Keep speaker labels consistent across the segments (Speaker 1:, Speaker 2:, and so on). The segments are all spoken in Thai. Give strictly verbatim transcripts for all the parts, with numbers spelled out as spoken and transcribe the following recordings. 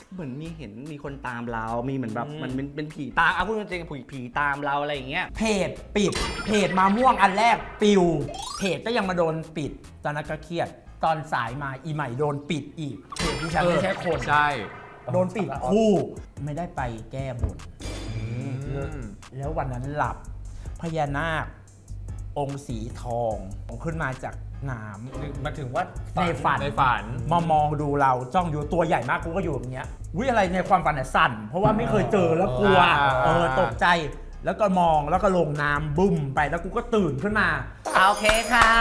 Speaker 1: เหมือนมีเห็นมีคนตามเรามีเหมือนแบบมันเป็นเป็นผีตามเอาพูดจริงๆผีผีตามเราอะไรอย่างเงี้ย
Speaker 2: เพจปิดเพจมาม่วงอันแรกปิวเพจก็ยังมาโดนปิดตอนนั้นก็เครียดตอนสายมาอีใหม่โดนปิดอีกเพจที่ฉันไม่ใช่คน
Speaker 3: ใช่
Speaker 2: โดนปิดคู่ไม่ได้ไปแก้บนแล้ววันนั้นหลับพญานาคองค์สีทองขึ้นมาจากน้ำ
Speaker 3: มาถึงว่า
Speaker 2: ในฝัน
Speaker 3: ในฝัน
Speaker 2: มามองดูเราจ้องอยู่ตัวใหญ่มากกูก็อยู่อย่างเงี้ยวิอะไรในความฝันเนี่ยสั่นเพราะว่าไม่เคยเจอแล้วกลัวเออตกใจแล้วก็มองแล้วก็ลงน้ำบึ้มไปแล้วกูก็ตื่นขึ้นมา
Speaker 1: โอเคค่ะ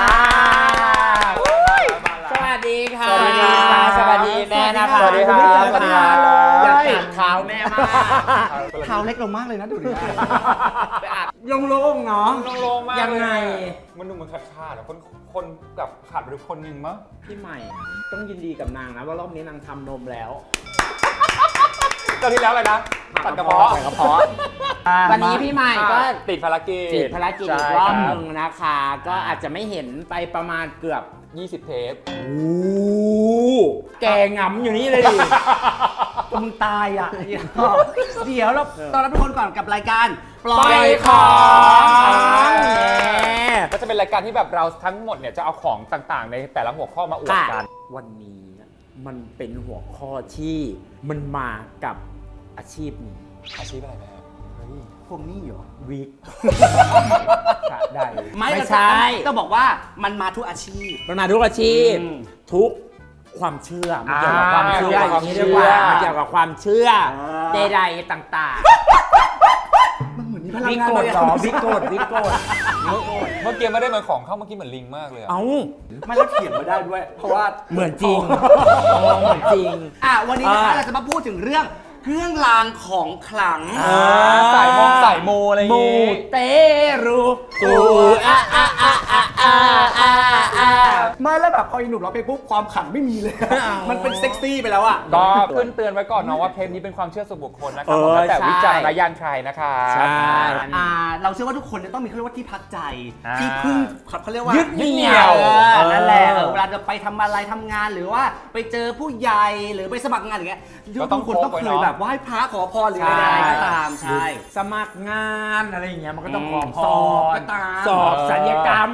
Speaker 2: สวัสดีค่ะ
Speaker 3: สวัสดีค่ะ
Speaker 2: สวัสดีแม่นะคะ
Speaker 3: สวัสดีครับสวัสดีครับ
Speaker 2: อยากกัดเท้าแม่มาก
Speaker 1: เท้าเล็กลงมากเลยนะดูดิ
Speaker 2: ไปอัดโล่งๆเนาะ
Speaker 3: โล่งๆมาก
Speaker 2: ยังไง
Speaker 3: มันดูเหมือนขาดขาดคนคนกับขาดไปคนหนึ่งมั้ง
Speaker 2: พี่ใหม่ต้องยินดีกับนางนะว่ารอบนี้นางทำนมแล้ว
Speaker 3: ตอนที่แล้วอะไรนะตัดกระเพาะ
Speaker 2: ตัดกระเพาะวันนี้พี่ใหม่ก็
Speaker 3: ติดภารกิจ
Speaker 2: ติดภารกิจอีกรอบนึงนะคะก็อาจจะไม่เห็นไปประมาณเกือบ
Speaker 3: ยี่สิบเทป
Speaker 2: โอ้แกงำอยู่นี่เลยดิ
Speaker 1: มึงตายอ่ะเดี๋ยวเราตอนรับทุกคนก่อนกับรายการ
Speaker 2: ปล่อยของ
Speaker 3: ก็จะเป็นรายการที่แบบเราทั้งหมดเนี่ยจะเอาของต่างๆในแต่ละหัวข้อมาอวดกัน
Speaker 2: วันนี้มันเป็นหัวข้อที่มันมากับอาชีพนี้
Speaker 3: อาชีพอะไรแม่
Speaker 1: พวกนี้เหรอ
Speaker 2: วิกได้
Speaker 1: ไม่ใช่ต้องบอกว่ามันมาทุกอาชีพ
Speaker 2: มันมาทุกอาชีพทุกความเชื่อมันเกี่ยวกับความเชื่ออย่างนี้เรียกว่ามันเกี่ยวกับความเชื่อใดๆต่างๆ
Speaker 1: มันเหมือนมีพลัง
Speaker 2: งานเลยอ่ะวิกโกดวิกโกด
Speaker 3: เมื่อกี้ไม่ได้เหมือนของเข้าเมื่อกี้เหมือนลิงมากเลย
Speaker 2: เอ้า
Speaker 1: ไม่แล้วเขียนมาได้ด้วยเพราะว่า
Speaker 2: เหมือนจริงเหมือนจริง
Speaker 1: อ่ะวันนี้นะคะเราจะมาพูดถึงเรื่องเครื่องรางของขลัง
Speaker 3: สายมองสายโมอะไรอย่าง
Speaker 2: งี้มูเตรูตูอะอะอะอะอะอะอะ
Speaker 1: ไม่แล้วแบบพออีหนุ่มเราไปปุ๊บความขลังไม่มีเลยมันเป็นเซ็กซี่ไปแล้วอ่ะ
Speaker 3: ก็เตือนเตือนไว้ก่อนเนาะว่าเทปนี้เป็นความเชื่อส่วนบุคคลนะครับแล้วแต่วิจารณญาณใครนะคะ
Speaker 1: ใช่เราเชื่อว่าทุกคนจะต้องมีเขาเรียกว่าที่พักใจที่พึ่งเขาเรียกว่า
Speaker 2: ยึดเหนี่ยว
Speaker 1: นั่นแหละเวลาจะไปทำอะไรทำงานหรือว่าไปเจอผู้ใหญ่หรือไปสมัครงานอย่างเงี้ยทุกคนต้องเคยแบบไหว้พระขอพรหรืออะไรก็ตามใช่
Speaker 2: สมัครงานอะไรอย่างเงี้ยมันก็ต้องขอพร
Speaker 1: ก็ตาม
Speaker 2: สอบศัลยกรรม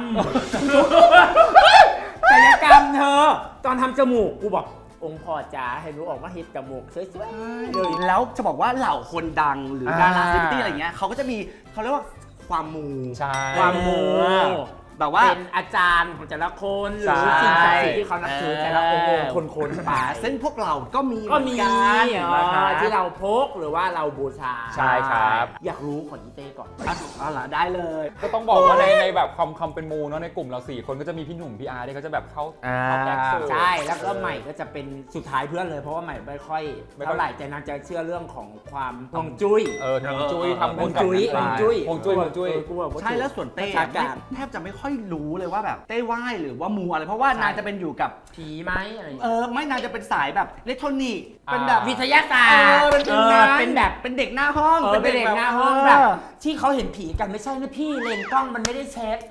Speaker 2: ศัลยกรรมเธอตอนทำจมูกกูบอกองค์พ่อจ๋าให้รู้ออกว่าเฮ็ดจมูกสวยๆ
Speaker 1: เลยแล้วจะบอกว่าเหล่าคนดังหรือดาราเซเลบริตี้อะไรเงี้ยเขาก็จะมีเขาเรียกว่าความมู
Speaker 2: ความมู
Speaker 1: แบบว่า
Speaker 2: เป็นอาจารย์ของแต่ละคนหรือสิ่งศักดิ์สิทธิ์ที่เขานับถือแต่ละองค์คนคน
Speaker 1: ป่าซึ่งพวกเราก็มี
Speaker 2: ก็มีที่เราพกหรือว่าเราบูชา
Speaker 3: ใช่ครับ
Speaker 2: อยากรู้ของอีเต้ก่อน
Speaker 1: เอาล่ะได้เลย
Speaker 3: ก็ต้องบอกว่าในในแบบความคำเป็นมูเนาะในกลุ่มเราสี่คนก็จะมีพี่หนุ่มพี่อาร์ที่เขาจะแบบเข้าเข้าแบ็ค
Speaker 2: ใช่แล้วก็ใหม่ก็จะเป็นสุดท้ายเพื่อนเลยเพราะว่าใหม่ไม่ค่อยเท่าไหร่แต่นางจะเชื่อเรื่องของความฮวงจุ้ย
Speaker 3: เออฮวงจุ้ยทำ
Speaker 2: ฮวงจุ้ยฮวงจุ้ย
Speaker 3: ฮวงจุ้ยฮวงจุ้ย
Speaker 1: ใช่แล้วส่วนเต้แทบจะไม่ค่อยรู้เลยว่าแบบเต้ไหว้หรือว่ามูอะไรเพราะว่านางจะเป็นอยู่กับ
Speaker 2: ผีไหมอะไร
Speaker 1: เออไม่นางจะเป็นสายแบบอิเล็กทรอนิกส์เป็นแบบ
Speaker 2: วิทยาศาสตร์
Speaker 1: เป็นแบบเป็นเด็กหน้าห้อง
Speaker 2: เป็นเด็กหน้าห้องแบบที่เขาเห็นผีกันไม่ใช่นะพี่เลนส์กล้องมันไม่ได้เช็ด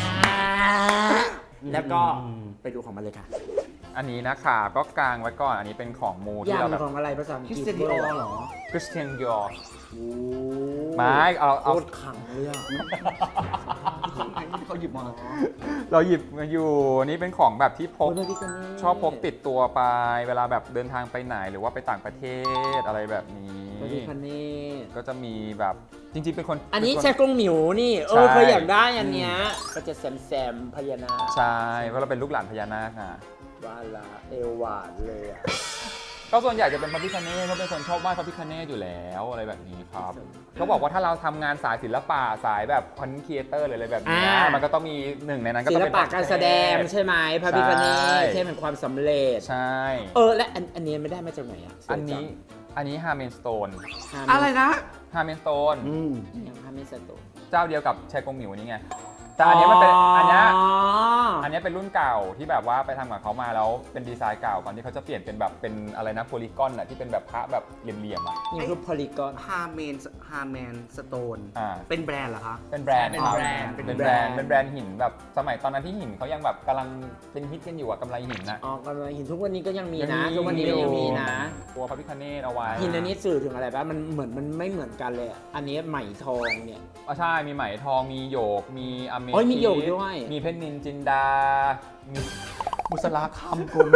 Speaker 2: แล้วก็ไปดูของมันเลยค่ะ
Speaker 3: อันนี้นะคะก็กางไว้ก่อนอันนี้เป็นของมู
Speaker 2: ที่เราแบบของอะไรภาษาอังกฤษ
Speaker 1: คริสเตียนดิออร์เหรอ
Speaker 3: คริสเตียนดิออร์ไม่เอาเอา
Speaker 2: โคตรขังเลยอ่ะ
Speaker 1: เขาหยิบมา
Speaker 3: เราหยิบมาอยู่นี่เป็นของแบบที่พกชอบพกติดตัวไปเวลาแบบเดินทางไปไหนหรือว่าไปต่างประเทศอะไรแบบนี้ก็จะมีแบบจริงๆเป็นคน
Speaker 2: อันนี้แช่กงหมิวนี่เออเคยอยากได้อันเนี้ยก็จะแซมแซมพญานาค
Speaker 3: ใช่เพราะเราเป็นลูกหลานพญานาคอ่ะ
Speaker 2: ว่าละเอวหวานเลยอ่ะ
Speaker 3: ก็ส่วนใหญ่จะเป็นพระพิฆเนศเขาเป็นคนชอบไหว้พระพิฆเนศอยู่แล้วอะไรแบบนี้ครับเขาบอกว่าถ้าเราทำงานสายศิลปะสายแบบคอนเทนต์ครีเอเตอร์อะไรแบบนี้มันก็ต้องมีหนึ่งในนั้นก็
Speaker 2: ต้อง
Speaker 3: เป็น
Speaker 2: ศิลปะการแสดงใช่ไหมพระพิฆเนศใช่เป็นความสำเร็จ
Speaker 3: ใช่
Speaker 2: เออและอันนี้ไม่ได้มาจากไหนอ่ะ
Speaker 3: อันนี้อันนี้ฮาร์เมนสโตน
Speaker 1: อะไรนะ
Speaker 3: ฮาร์เมนสโตน
Speaker 2: ยังฮาร์เมนสโตน
Speaker 3: เจ้าเดียวกับแชกงหมิวนี่ไงแต่อันนี้มันเป็นอันนี้อันนี้เป็นรุ่นเก่าที่แบบว่าไปทำกับเขามาแล้วเป็นดีไซน์เก่าก่อนที่เขาจะเปลี่ยนเป็นแบบเป็นอะไรนะโพลีกอนอ่ะที่เป็นแบบพระแบบเหลี่ยมๆอ่ะ
Speaker 2: นี่คือโพลีกอน
Speaker 1: ฮาร์เมนฮาร์แมนสโตนเป็นแบรนด์เหรอคะ
Speaker 3: เป็นแบรนด์เป็นแบรนด์เป็นแบรนด์เป็นแบรนด์หินแบบสมัยตอนนั้นที่หินเขายังแบบกำลังเป็นฮิตกันอยู่อะกำไรหินนะ
Speaker 2: อ๋อกำไรหินทุกวันนี้ก็ยังมีนะทุกวันนี้ก็ยังมีนะ
Speaker 3: ตัวพระพิฆเนศเอาไว้
Speaker 2: หินอันนี้สื่อถึงอะไรบ้างมันเหมือนมันไม่เหมือนกันเลยอะอันนี้ไหมทองเนี่ย
Speaker 3: อ๋อใช่มีไหมทองมีโยกมีอเม
Speaker 2: โอ้ยมี
Speaker 3: ทิส
Speaker 2: โยกด้วย
Speaker 3: มีเพชรนินจินดามีบุษราคำคุณ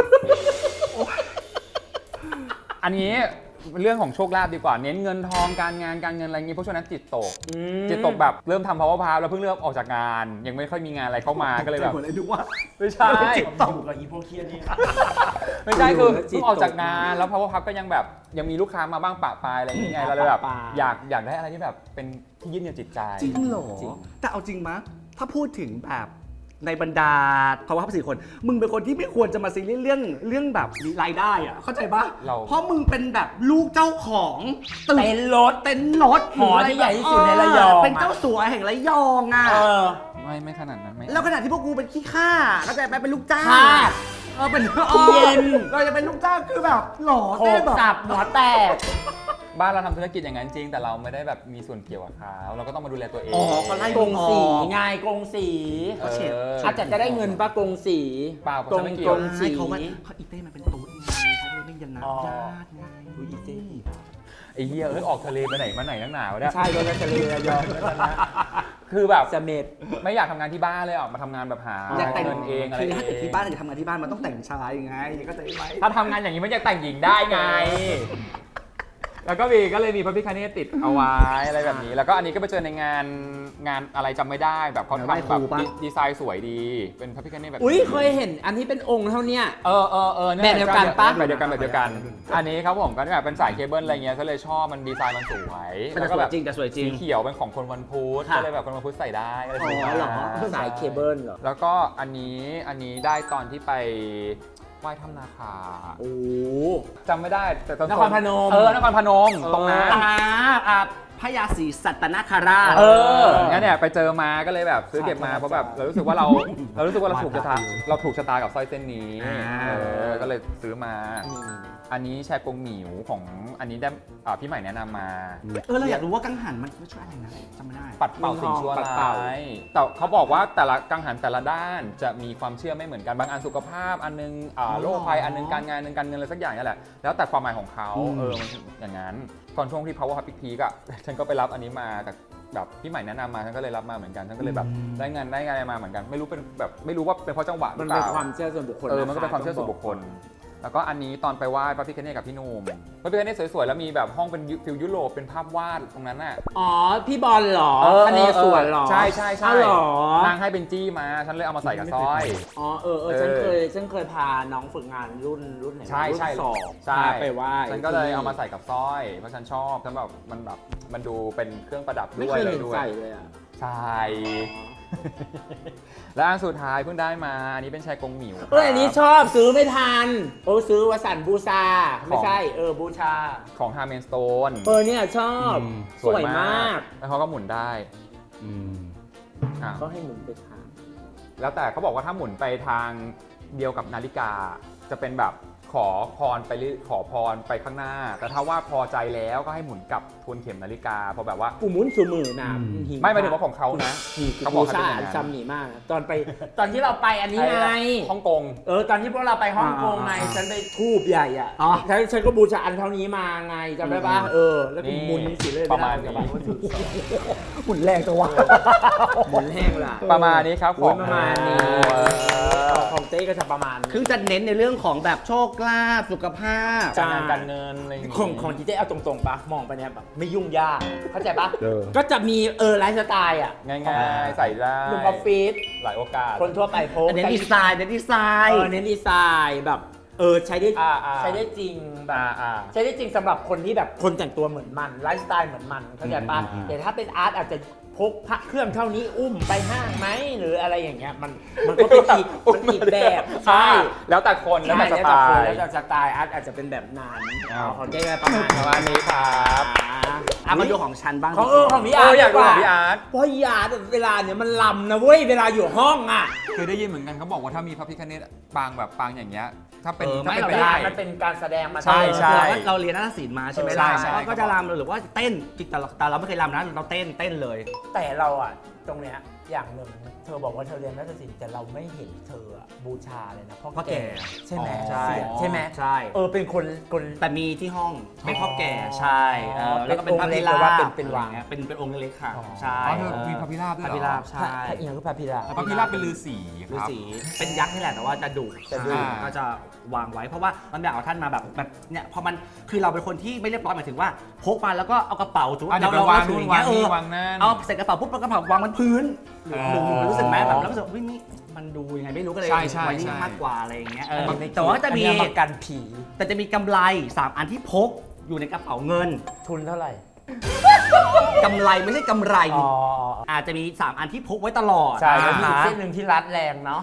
Speaker 3: อันนี้เรื่องของโชคลาภดีกว่าเน้นเงินทองการงานการเงินอะไรอย่างงี้เพราะช่วงนั้นจิตตก
Speaker 2: อืม
Speaker 3: จิตตกแบบเริ่มทำ power pass แล้วเพิ่งเริ่มออกจากงาน ยังไม่ค่อยมีงานอะไรเข้ามาก็เลยแบบ
Speaker 1: เหมือนไอ้ดูว่า
Speaker 3: ไม่ใช่
Speaker 2: จิตตกกับอีโพเคียนี่
Speaker 3: ไม่ใช่คือ
Speaker 2: จิตตก
Speaker 3: เพิ่งออกจากงานแล้ว power pass ก็ยังแบบยังมีลูกค้ามาบ้างปะปายอะไรอย่างเงี้ยเราเลยแบบ
Speaker 2: ปะปาย
Speaker 3: อยากอยากได้อะไรที่แบบเป็นที่ยึดเหนี่ยวจิตใจ
Speaker 1: จริงเหรอ
Speaker 2: จริง
Speaker 1: แต่เอาจริงมะถ้าพูดถึงแบบในบรรดาภาวะสี่คน มึงเป็นคนที่ไม่ควรจะมาซีเรียสเรื่องเรื่องแบบรายได้อะเข้าใจปะ
Speaker 3: เรา
Speaker 1: เพราะมึงเป็นแบบลูกเจ้าของตึก
Speaker 2: เต็นท์รถ
Speaker 1: เต็นท์รถ
Speaker 2: หอที่ใหญ่ที่สุดในระยอง
Speaker 1: เป็นเจ้าสัวแห่งระยองอ่ะ
Speaker 2: เออ
Speaker 3: ไม่ไม่ขนาดนั้นไม่
Speaker 1: แล้วขณะที่พวกกูเป็นขี้ข้าเข้าใจไหมเป็นลูกจ้าง
Speaker 2: ทาส
Speaker 1: เออเป็น
Speaker 2: เย็น
Speaker 1: เราจะเป็นลูกจ้างคือแบบหล่อ
Speaker 2: โข
Speaker 1: เต้
Speaker 2: ก
Speaker 1: แบบ
Speaker 2: สับหัวแตก
Speaker 3: บ้านเราทำธุรกิจอย่างนั้นจริงแต่เราไม่ได้แบบมีส่วนเกี่ยวกับเขาเราก็ต้องมาดูแลตัวเอง
Speaker 1: อ๋อเขาไล่
Speaker 2: ก
Speaker 1: มึ
Speaker 2: ง
Speaker 1: ออ
Speaker 2: สีไงกงสี
Speaker 3: เออ
Speaker 2: อาจจะจะได้เงินปะกงสี
Speaker 3: เปล่าผม
Speaker 2: ก
Speaker 3: จะ
Speaker 2: ง
Speaker 3: ไม่เกี่
Speaker 2: ก
Speaker 3: ยว
Speaker 2: งสี
Speaker 1: ใช่เขาว่าเขาอีเต้มันเป็นตุ๊ดไงเขาเลยไม่ยันนับ
Speaker 2: อ๋อ
Speaker 1: ญาติไง
Speaker 2: อุ๊ยอีเต้
Speaker 3: ไอ้เหี้ยเอ้ยออกทะเลไปไหนมาไหนนักหนาวะเนี่ย
Speaker 2: ใช่โดนทะเลระยอง
Speaker 3: คือแบบ
Speaker 2: เสม็ด
Speaker 3: ไม่อยากทำงานที่บ้านเลยออกมาทำงานแบบหา
Speaker 1: อยากแต่ง
Speaker 3: เงินเองอะไร
Speaker 1: คือ
Speaker 3: เอ
Speaker 1: ถ้าเกิด
Speaker 3: ง
Speaker 1: ที่บ้านอยากทำงานที่บ้านมันต้องแต่งชายไงก็จะไหม
Speaker 3: ถ้าทำงานอย่างนี้มันจะแต่งหญิงได้ไง แล้วก็มีก็เลยมีพระพิฆเนศติดเอาไว้อะไรแบบนี้ แล้วก็อันนี้ก็ไปเจอในงานงานอะไรจำไม่ได้แบบเขาทำแบบดีดีไซน์สวยดี เป็นพระพิฆเนศแบบ
Speaker 2: อุ้ยเคยเห็นอันที่เป็นองค์เท่าเนี้ย
Speaker 3: เออเออเออ
Speaker 2: แบบเดียวกันปะ
Speaker 3: แบบเดียวกันแบบเดียวกัน อันนี้ครับผมก็แบบเป็นสายเคเบิลอะไรเงี้ยก็เลยชอบมันดีไซน์มันสวย
Speaker 1: มัน
Speaker 3: แล้
Speaker 1: จะ
Speaker 3: ว
Speaker 1: ส
Speaker 3: ก็
Speaker 1: วย
Speaker 3: แบบ
Speaker 1: จริงแต่สวยจริ
Speaker 3: สี
Speaker 1: ง
Speaker 3: เขียวเป็นของคนวันพุธ
Speaker 1: ค่ะ
Speaker 3: ก็เลยแบบคนวันพุธใส่ได้อะไรแบบนี้
Speaker 1: อ๋อเหรอ
Speaker 2: สายเคเบิลเหรอ
Speaker 3: แล้วก็อันนี้อันนี้ได้ตอนที่ไปไหว้ถ้ำนาคา
Speaker 2: โอ้
Speaker 3: จำไม่ได้แต่ตอน
Speaker 2: นครพนม
Speaker 3: เออนครพนมตรงนั้น
Speaker 1: อ่าอ่าพญาศรีสัตนคราช
Speaker 3: เอองั้นเนี่ยไปเจอมาก็เลยแบบซื้อเก็บมาเพราะแบบเรารู้สึกว่าเราเรารู้สึกว่าเราถูกชะตาเราถูกชะตากับสร้อยเส้นนี้
Speaker 1: อ่า
Speaker 3: เออก็เลยซื้อมา อันนี้แชร์กงหมิวของอันนี้ได้อ่าพี่ใหม่แนะนำมา
Speaker 1: เออเราอยากรู้ว่ากังหันมันช่วยอะไรนะจำไม่ได้
Speaker 3: ปัดเป่าสิ่งชั่ว
Speaker 2: ปัดเป่า
Speaker 3: ร้ายแต่เขาบอกว่าแต่ละกังหันแต่ละด้านจะมีความเชื่อไม่เหมือนกันบางอันสุขภาพอันนึงอ่าโรคภัยอันนึงการงานอันนึงการเงินอะไรสักอย่างนี่แหละแล้วแต่ความหมายของเขา
Speaker 1: อืม
Speaker 3: เออมันอย่างนั้นก่อนช่วงที่ power hub peak อ่ะ ฉันก็ไปรับอันนี้มาแต่แบบพี่ใหม่แนะนำมาฉันก็เลยรับมาเหมือนกันฉันก็เลยแบบได้งานได้งานอะไรมาเหมือนกันไม่รู้เป็นแบบไม่รู้ว่าเป็นเพราะจังหวะห
Speaker 2: มั
Speaker 3: รื
Speaker 2: น
Speaker 3: อเป
Speaker 2: เป็น
Speaker 3: ล่า
Speaker 2: ความเชื่อส่วนบุคคล
Speaker 3: เออมันก็เป็นความเชื่อส่วนบุคคล แล้วก็อันนี้ตอนไปไหว้พระพิฆเนศกับพี่หนุ่มพระพิฆเนศสวยๆแล้วมีแบบห้องเป็นฟิลยุโรปเป็นภาพวาดตรงนั้นน่ะ
Speaker 2: อ๋อ พี่บอลเหรอ
Speaker 3: เออ
Speaker 2: คเนศวรเหรอ
Speaker 3: ใช่ใช่ใช่
Speaker 2: อ้าวเหรอน
Speaker 3: างให้เป็นจี้มาฉันเลยเอามาใส่กับสร้อย
Speaker 2: อ๋อเออเออฉันเคยฉันเคยพาน้องฝึกงานรุ่นรุ่นไหน
Speaker 3: ใช่ใช่
Speaker 2: รุ่นสอง
Speaker 3: ใช่
Speaker 2: พาไปไหว้
Speaker 3: ฉันก็เลยเอามาใส่กับสร้อยเพราะฉันชอบฉันแบบมันแบบมันดูเป็นเครื่องประดับ
Speaker 2: ไม่
Speaker 3: ด้วย
Speaker 2: เคย
Speaker 3: เล
Speaker 2: เห็
Speaker 3: ย
Speaker 2: น
Speaker 3: ด้วย
Speaker 2: ใส่เลยอ่ะ
Speaker 3: ใช่ และอันสุดท้ายเพิ่งได้มาอันนี้เป็นชายกงหมิว
Speaker 2: เอออันนี้ชอบซื้อไม่ทันโอ้ซื้อวสันต์บูชาไม่ใช่เออบูชา
Speaker 3: ของฮาร์เมนสโตน
Speaker 2: เออเนี่ยชอบ
Speaker 1: อืม
Speaker 2: สวยมาก
Speaker 3: แล้วเขาก็หมุนได้
Speaker 1: อืม
Speaker 3: อ่ะ
Speaker 2: ก็ให้หมุนไปทาง
Speaker 3: แล้วแต่เขาบอกว่าถ้าหมุนไปทางเดียวกับนาฬิกา จะเป็นแบบขอพรไปเรื่อยขอพรไปข้างหน้า แต่ถ้าว่าพอใจแล้วก็ให้หมุนกลับทวนเข็มนาฬิกาเพราะแบบว่า
Speaker 2: กูหมุนสูมือนะ
Speaker 1: อืม
Speaker 2: หิ
Speaker 3: ไม่หมายถึงว่าของเขานะ
Speaker 2: นี่
Speaker 3: เขา
Speaker 2: เขา
Speaker 3: บบ อ
Speaker 2: อก ก
Speaker 3: ให้
Speaker 2: ชา
Speaker 3: เป็นอย่างนั้น
Speaker 2: จำหนีมากนะตอนไปตอนที่เราไปอันนี้ไง
Speaker 3: ฮ่องกง
Speaker 2: เออตอนที่พวกเราไปฮ่องกงไง
Speaker 1: อ่า
Speaker 2: ฉันไปทูบใหญ่อ่ะ
Speaker 1: อ๋อ
Speaker 2: ฉันฉันก็บูชาอันเท่านี้มาไงจำได้ปะเออแล้วก็หมุนสิเลย
Speaker 3: ประมาณนี้
Speaker 1: หุ่นแรงตัววะ
Speaker 2: หมุนแห้งล่ะ
Speaker 3: ประมาณนี้ครับ
Speaker 2: โอ้ยประมาณนี้
Speaker 3: เออ
Speaker 2: ของเต้ก็จะประมาณนี้
Speaker 1: คือจะเน้นในเรื่องของแบบโชคลาภสุขภาพ
Speaker 2: ใช่
Speaker 3: การงานการเงินอะไรอย่างงี้
Speaker 2: ของของจีเต้เอาตรงๆปะมองไปเนี่ยแบบไม่ยุ่งยากเข้าใจปะ
Speaker 1: เออ
Speaker 2: ก็จะมีเออไลฟ์สไตล์อ่ะ
Speaker 3: ง่ายๆ ใส่ได้
Speaker 2: หนุ่มออฟฟิศ
Speaker 3: หลายโอกาส
Speaker 2: คนทั่วไปโพส
Speaker 1: เน้นดีไซน์เน้นดีไซ
Speaker 2: เอ
Speaker 1: น์
Speaker 2: อเน้นดีไซน์แบบเออใช้ได้
Speaker 3: อ่าอ่า
Speaker 2: ใช้ได้จริงแบบ
Speaker 3: อ่าอ่า
Speaker 2: ใช้ได้จริงสำหรับคนที่แบบคนแต่งตัวเหมือนมันไลฟ์สไตล์เหมือนมันเข้าใจปะ
Speaker 1: อืมอืม
Speaker 2: แต่ถ้าเป็นอาร์ตอาจจะพกพระเครื่องเท่านี้อุ้มไปห้างไหมหรืออะไรอย่างเงี้ยมันมันก็เป็นอีกมันอีกแบบใช่
Speaker 3: แล้วแต่คนแล้วแต่ส
Speaker 2: ใช่
Speaker 3: ไต
Speaker 2: คน
Speaker 3: ล์
Speaker 2: แล้วแต่สไตล์อาร์ตอาจจะเป็นแบบนั้น
Speaker 3: อ้าว
Speaker 2: ของเจ๊ก็ประมาณ
Speaker 3: ประมาณนี้ครับ
Speaker 1: อ่ะมาดูของฉันบ้าง
Speaker 2: ของเออของพี่
Speaker 3: เอ
Speaker 2: อาร์
Speaker 3: อ
Speaker 2: ต
Speaker 3: อยากดู
Speaker 2: ดี
Speaker 3: ของ
Speaker 2: ว่
Speaker 3: พี่อาร์ต
Speaker 2: เพราะพี่อาร์ตเวลาเนี่ยมันลำนะเว้ยเวลาอยู่ห้องอ่ะ
Speaker 3: เคยได้ยินเหมือนกันเขาบอกว่าถ้ามีพระพิฆเนศปางแบบปางอย่างเงี้ยถ้าเป็น
Speaker 1: เออ
Speaker 3: ถ้า
Speaker 1: ไม่
Speaker 3: เป็น
Speaker 1: เรา
Speaker 3: ไป
Speaker 1: ได้
Speaker 3: ได้
Speaker 2: มันเป็นการแสดงมา
Speaker 3: ใช่ใช่
Speaker 1: เราเราเรียนนาฏศิลป์มาใช่ไหม
Speaker 3: ใช่
Speaker 1: ล่ะ
Speaker 3: ใช่
Speaker 1: ก็จะรำหรือว่าเต้นจิตแต่เราแต่เราไม่เคยรำนะเราเต้นเต้นเลย
Speaker 2: แต่เราอ่ะตรงเนี้ยอย่างหนึ่งเธอบอกว่าเธอเรียนนาฏศิลป์แต่เราไม่เห็นเธอบูชาเลยนะพ่อ
Speaker 1: พ่อแก่
Speaker 2: ใช่ไหม
Speaker 1: ใช่
Speaker 2: ใช่ไหม
Speaker 1: ใช่
Speaker 2: เออเป็นคนคน
Speaker 1: แต่มีที่ห้องเป็นพ่อแก่ใช่เออแล้วก็เป็นพระพิ
Speaker 2: เป็น
Speaker 1: รา
Speaker 2: องค์เล็กหรือว่า
Speaker 1: บ
Speaker 2: เป็นเป็นวาง
Speaker 1: เป็นเป็นองค์เล็กๆค่ะ
Speaker 2: อ๋อ
Speaker 1: ใช่
Speaker 3: อ๋อเธอมีพระพิราบด้
Speaker 1: พ
Speaker 3: วย
Speaker 1: ระ
Speaker 3: เหรอ
Speaker 1: พิราบ
Speaker 2: พระ
Speaker 1: ใช่
Speaker 2: พระเอียงก็พระพิราบ
Speaker 3: พระพิราบเป็นฤาษีค
Speaker 1: ฤา
Speaker 3: รับ
Speaker 1: ษีเป็นยักษ์นี่แหละแต่ว่าจะดุ
Speaker 2: จะดุ
Speaker 1: อ่าก็จะวางไว้เพราะว่ามันอยากเอาท่านมาแบบแบบเนี่ยพอมันคือเราเป็นคนที่ไม่เรียบร้อยหมายถึงว่าพกมาแล้วก็เอากระเป๋าสมมติ
Speaker 3: อ่ะเดี๋ยว
Speaker 1: เรา
Speaker 3: ไปวาง
Speaker 1: ถือ
Speaker 3: นู่น
Speaker 1: อย่างเงี้ยเอ
Speaker 3: วางนี่
Speaker 1: อ
Speaker 3: วางนั่น
Speaker 1: เอาใส่กระเป๋าปุ๊บแล้วกระเป๋าวางบนพื้นหรือ
Speaker 3: อ๋อ
Speaker 1: หรือรู้สึกไหมแบบแล้วรู้สึกว่าเฮ้ยนี่มันดูยังไงไม่รู้ก็เลย
Speaker 3: ใช่ใช่
Speaker 1: ไว้นี่
Speaker 3: ใช่
Speaker 1: มากกว่าอะไรอย่างเงี้ยเออ
Speaker 2: อันนี้ไม่
Speaker 1: แต่ว่าจะมี
Speaker 2: อันนี้ประกันผี
Speaker 1: แต่จะมีกำไรสามอันที่พกอยู่ในกระเป๋าเงิน
Speaker 2: ทุนเท่าไหร่
Speaker 1: กำไรไม่ใช่กำไร
Speaker 2: อ๋อ
Speaker 1: อาจจะมีสามอันที่พกไว้ตลอด
Speaker 2: ใช่แล้วมี
Speaker 1: นะ
Speaker 2: อีก
Speaker 1: คะ
Speaker 2: เส้นหนึ่งที่รัดแรงเนาะ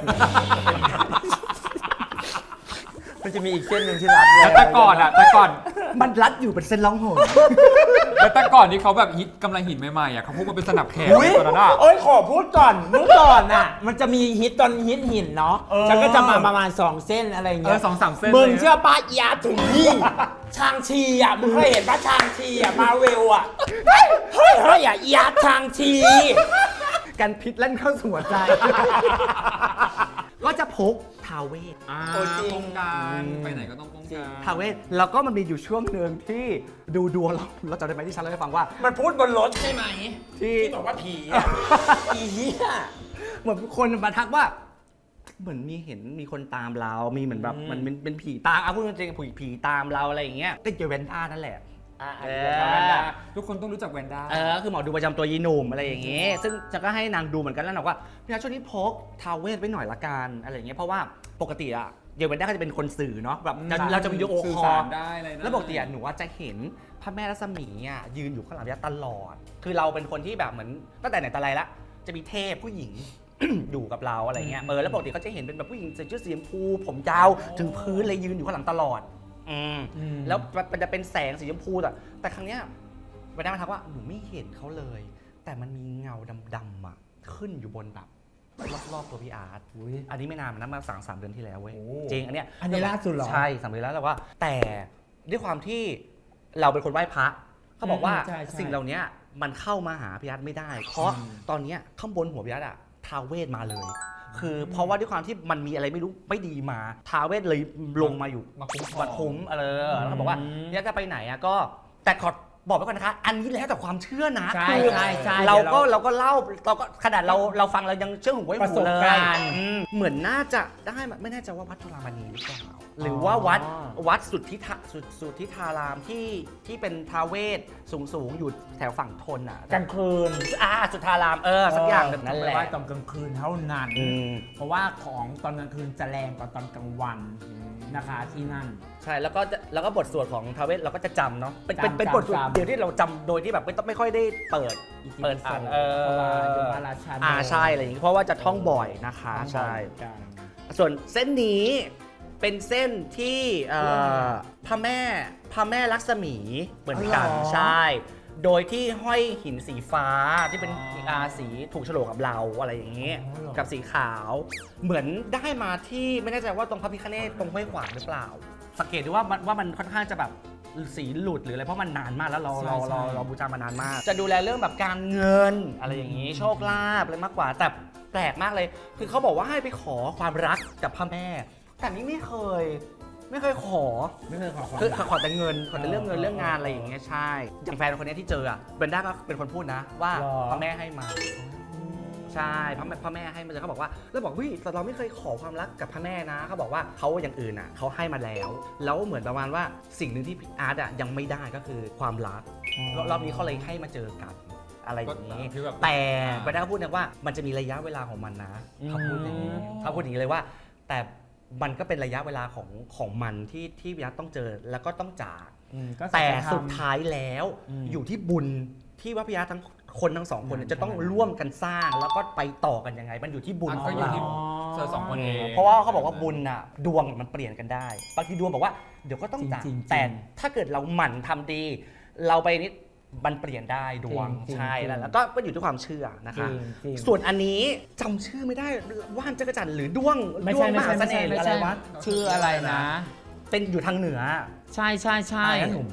Speaker 2: มันจะมีอีกเส้นหนึ่งที่รัดแรง
Speaker 3: แล้วแต่ก่อนอ่ะแต่ก่อน
Speaker 1: มันรัดอยู่เป็นเส้นล่องหน
Speaker 3: แล้วแต่ก่อนที่เขาแบบฮิตกำลังหินใหม่ๆอ่ะเขาพกมาเป็นสนับแขน
Speaker 2: อุ๊ย
Speaker 3: ตอนนั้นอ่ะ
Speaker 2: โอ้ยขอพูดก่อนเมื่อก่อนน่ะ มันจะมีฮิตตอนฮิตหินเนาะ
Speaker 3: เออ
Speaker 2: ฉันก็จะมาประมาณสองเส้นอะไรอย่าง
Speaker 3: เอ
Speaker 2: เงี้
Speaker 3: อย สองสามเส้น
Speaker 2: มึง
Speaker 3: ลย
Speaker 2: เชื่อป้ายาถึงนี่ชางชีอ่ะมึงเคยเห็นป้าชางชีอ่ะมาเวลอ่ะเฮ้ยเฮ้ยเฮ้ยอ่ะยาชางชี
Speaker 1: กันพิษเล่นเข้าสู่หัวใจ ก็จะพกทาเวท
Speaker 3: อ่า
Speaker 2: โอ้จริง
Speaker 3: ป้องกันไปไหนก็ต้องป้องกัน
Speaker 1: ทาเวทแล้วก็มันมีอยู่ช่วงหนึ่งที่ดูดวงเราเราจำได้ไหมที่ฉันเล่าให้ฟังว่า
Speaker 2: มันพูดบนรถใช่ไหม
Speaker 1: ที่
Speaker 2: ที่บอกว่าผีอ่ะอีเหี้ย
Speaker 1: เหมือนคนมาทักว่า เหมือนมีเห็นมีคนตามเรา มีเหมือนแบบ
Speaker 2: อืม
Speaker 1: มันเป็นเป็นผีตามเอาพูดจริงๆผีผีตามเราอะไรอย่างเงี้ยก็เจอแวนด้านั่นแหละ
Speaker 2: อ่ะ
Speaker 1: เอ
Speaker 2: อัน
Speaker 1: อ
Speaker 2: นี้ก็ได้
Speaker 3: ทุกคนต้องรู้จักแวนด้า
Speaker 1: เออคือหมอดูประจำตัวยีหนุ่มอะไรอย่างเงี้ยซึ่งจะก็ให้นางดูเหมือนกันแล้วบอกว่าพี่นัทช่วงนี้พกทาวเวทไว้หน่อยละกันอะไรอย่างเงี้ยเพราะว่าปกติอะเยเวนด้าก็จะเป็นคนสื่อเนาะแบบจะเราจะวิดีโอ
Speaker 3: สื่อ
Speaker 1: คอ
Speaker 3: สา
Speaker 1: ล
Speaker 3: รได้อะไรได้
Speaker 1: แล้วปกติอะหนูว่าจะเห็นพระแม่รัศมีอะยืนอยู่ข้างหลังพี่นัทตลอด คือเราเป็นคนที่แบบเหมือนตั้งแต่ไหนแต่ไรละจะมีเทพผู้หญิง อยู่กับเราอะไรเงี้ยเออแล้วปกติเขาจะเห็นเป็นแบบผู้หญิงใส่ชุดสีชมพูผมยาวถึงพื้นเลยยืนอยู่ข้างหลังตลอดอืม
Speaker 2: อืม
Speaker 1: แล้วมันจะเป็นแสงสีชมพูแต่แต่ครั้งเนี้ยไปได้มาทักว่าหนูไม่เห็นเขาเลย แต่มันมีเงาดำๆอ่ะขึ้นอยู่บนแบบรอบๆตัวพี่อาร์ตอันนี้ไม่นานนะมาสามสามเดือนที่แล้วเว้ย
Speaker 2: โอ้
Speaker 1: จริงอันเนี้ย
Speaker 2: อันนี้ล่าสุดเหรอ
Speaker 1: ใช่สามเดือนแล้วแต่ว่า แต่ด้วยความที่เราเป็นคนไหว้พระเขาบอกว่า
Speaker 2: อืมใช่ใช่
Speaker 1: สิ่งเหล่านี้มันเข้ามาหาพี่อาร์ตไม่ได้ เพราะ
Speaker 2: อืม
Speaker 1: ตอนเนี้ยข้างบนหัวพี่อาร์ตอะท้าวเวทมาเลย คือเพราะว่าด้วยความที่มันมีอะไรไม่รู้ไม่ดีมาท้าวเวทเลยลงมาอยู่
Speaker 3: มาคุ้มครอง
Speaker 1: บัตรคุ้มเออแล้วก็บอกว่าเนี่ยจะไปไหนอะก็แต่ขอบอกไว้ก่อนนะคะ อันนี้แล้วแต่ความเชื่อนะ
Speaker 2: ใช่
Speaker 1: คือ
Speaker 2: ใช่ใช่
Speaker 1: เราก็
Speaker 2: เดี๋ยวเรา
Speaker 1: เราก็เล่าเราก็ขนาดเราเราฟังเรายังเชื่อหูไว้
Speaker 2: ประ
Speaker 1: หู
Speaker 2: สบ
Speaker 1: เลย
Speaker 2: การณ์
Speaker 1: อืมเหมือนน่าจะได้มาไม่แน่ใจว่าวัดจุฬามณีหรือเปล่าหรือว่าวัดวัดสุทธิทาสุทสุทธิธารามที่ที่เป็นท้าวเวสสูงสูงๆอยู่แถวฝั่งทนอ่ะ
Speaker 2: กลางคืน
Speaker 1: อ่าสุทธารามเออสักอย่างแบบนั้นแหละ
Speaker 2: ไหว้ตอนกลางคืนเท่านั้น
Speaker 1: อืม
Speaker 2: เพราะว่าของตอนกลางคืนจะแรงกว่าตอนกลางวันนะคะที่นั่น
Speaker 1: ใช่แล้วก็จะแล้วก็บทสวดของทาวเวสเราก็จะจำเนาะเป็นเป็น
Speaker 2: จำ
Speaker 1: เป็นบทสวด
Speaker 2: จำ
Speaker 1: เดียวที่เราจำโดยที่แบบไม่ต้องไม่ค่อยได้เปิด เปิดอ่านเออ
Speaker 2: เพราะว่าอยู่พระราชา
Speaker 1: อ่าใช่อะไรอย่างงี้เพราะว่าจะท่องบ่อยนะคะใช่ ส่วนเส้นนี้เป็นเส้นที่เอ่อพระแม่พระแม่ลักษมีเหมือนกัน
Speaker 2: อ๋อเหรอ
Speaker 1: ใช่ โดยที่ห้อยหินสีฟ้าที่เป็นอาสีถูกโฉลกกับเราอะไรอย่างนี้
Speaker 2: อ๋อเหรอ
Speaker 1: กับสีขาว เหมือนได้มาที่ไม่แน่ใจว่าตรงพระพิฆเนศตรงห้วยขวางหรือเปล่า สังเกตดูว่ามันว่ามันค่อนข้างจะแบบสีหลุดหรืออะไรเพราะมันนานมากแล้วเราเราเราเราบูชามานานมาก จะดูแลเรื่องแบบการเงินอะไรอย่างนี้ โชคลาภอะไรมากกว่าแต่แปลกมากเลย คือเขาบอกว่าให้ไปขอความรักกับพระแม่ แต่นี่ไม่เคย ไม่เคยขอ
Speaker 2: ไม่เคยขอความ
Speaker 1: คือ
Speaker 2: รัก
Speaker 1: ขอแต่เงินขอแต่เรื่องเงิน
Speaker 2: เออ
Speaker 1: เรื่องงานอะไรอย่างเงี้ยใช่ อย่างแฟนคนเนี้ยที่เจออ่ะเบนด้าก็เป็นคนพูดนะ ว่า
Speaker 2: หรอ
Speaker 1: พระแม่ให้มา ใช่พระแม่พระแม่ให้มาเลยเขาบอกว่าแล้วบอกวิแต่เราไม่เคยขอความรักกับพระแม่นะเขาบอกว่าเขาอย่างอื่นอ่ะเขาให้มาแล้ว แล้วเหมือนประมาณว่าสิ่งหนึ่งที่อาร์ตอ่ะยังไม่ได้ก็คือความรักรอบนี้เขาเลยให้มาเจอกันอะไรอย่างนี้
Speaker 3: ก็คือแบบ
Speaker 1: แต่
Speaker 3: อ่า
Speaker 1: เบนด้าก็พูดนะว่ามันจะมีระยะเวลาของมันนะเขาพูดอย่างนี้
Speaker 2: อืม
Speaker 1: เขาพูดอย่างนี้เลยว่า แต่มันก็เป็นระยะเวลาของของมันที่ที่พี่อาร์ตต้องเจอแล้วก็ต้องจาก
Speaker 2: อืมก็
Speaker 1: แต่
Speaker 2: สัจธรรม
Speaker 1: สุดท้ายแล้ว
Speaker 2: อืม
Speaker 1: อยู่ที่บุญที่ว่าพี่อาร์ตทั้งคนทั้งสองคนเนี่ย
Speaker 2: อืม
Speaker 1: จะต้องร่วมกันสร้างแล้วก็ไปต่อกันยังไง มันอยู่ที่บุญ
Speaker 3: อ่ะ
Speaker 1: ข
Speaker 3: ก็
Speaker 1: อง
Speaker 3: อยู่
Speaker 1: เรา
Speaker 3: ที่เธอสองคนเอง
Speaker 1: เพราะว่าเขาบอกว่าบุญน่ะดวงมันเปลี่ยนกันได้บางทีดวงบอกว่าเดี๋ยวก็ต้องจาก
Speaker 2: จริงๆ
Speaker 1: แต่ถ้าเกิดเราหมั่นทำดี เราไปนิดมันเปลี่ยนได้ดวง
Speaker 2: จริงๆ
Speaker 1: ใช่
Speaker 2: จริง
Speaker 1: แล้วแล้วก็ก็อยู่ที่ความเชื่อนะ
Speaker 2: จริ
Speaker 1: คะ
Speaker 2: งจริง
Speaker 1: ส่วนอันนี้จำชื่อไม่ได้ว่านจักรจันทร์หรือด้วง
Speaker 2: ไม่
Speaker 1: ด้ว
Speaker 2: ใช่
Speaker 1: งม
Speaker 2: ไม่
Speaker 1: หา
Speaker 2: ใช่
Speaker 1: เส
Speaker 2: ไม่
Speaker 1: น่
Speaker 2: ใช่
Speaker 1: ห์หรืออะไรวะ
Speaker 2: ชื่ออะไรนะ
Speaker 1: เป็นอยู่ทางเหนือ
Speaker 2: ใช่ใช่ใช่
Speaker 1: อะไรนะหนุ่ม